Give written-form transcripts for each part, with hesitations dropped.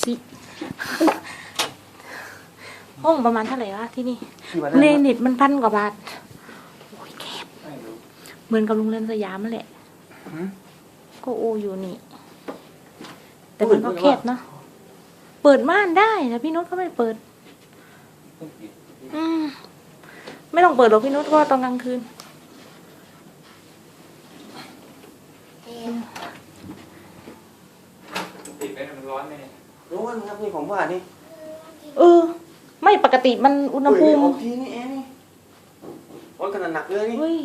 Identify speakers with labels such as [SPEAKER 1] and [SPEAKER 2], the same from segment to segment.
[SPEAKER 1] สิห้องประมาณเท่าไหร่วะที่นี่เนนิตมัน1,000 กว่าบาทโอ้ยแคบเหมือนกับโรงแรมสยามนั่นแหละก็โออยู่นี่แต่มันก็แคบเนาะเปิดม่านได้แต่พี่นุชเขาไม่เปิดไม่ต้องเปิดหรอกพี่นุชก็ตอนกลางคืน
[SPEAKER 2] ติดไปมันร้อนไหมเนี่ย
[SPEAKER 3] ร้อนครับนี่ผมว่านี่
[SPEAKER 1] ไม่ปกติมันอุณหภูมิ
[SPEAKER 3] ออกทีนี่เองนี่ร้อนขนาดหนักเลยนี่
[SPEAKER 1] เฮ้ย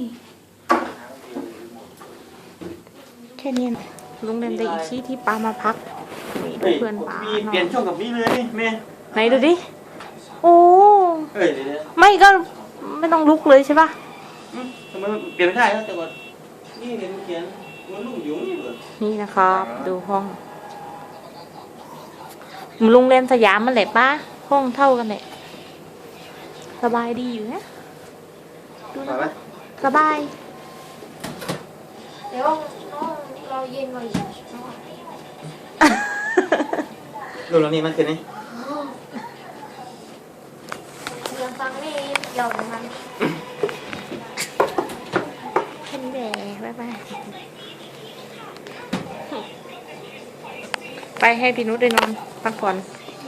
[SPEAKER 1] แค่นี้นะโรงแรมไดอิชิที่ปามาพักนี่เพื่อนปา
[SPEAKER 3] มีเปลี่ยนช่องกับนี่เลยนี่แม่
[SPEAKER 1] ไหนดูดิโอ้
[SPEAKER 3] เฮ้ยเดี๋ยว
[SPEAKER 1] ไม่ก็ไม่ต้องลุกเลยใช่ปะ
[SPEAKER 3] ทำไมเปลี่ยนไม่ได้แล้วแต่ว่านี่เนี่ยมันเขียนมันลุ่มอยู่นี่เหรอ
[SPEAKER 1] นี่นะครับดูห้องโรงแรมสยามมันแหละป้าห้องเท่ากันแหละสบายดีอยู่นะดูนะสบาย
[SPEAKER 4] เดี๋ยวน้องเราเย็นกว่าอีกน้อง
[SPEAKER 3] ดูแล้วนี่มันคือนี่
[SPEAKER 4] เสียงฟังนี่เกี่ยวกับมัน
[SPEAKER 1] เห็นแดดบ๊ายบายไปให้พี่นุชได้นอนพักผ่อน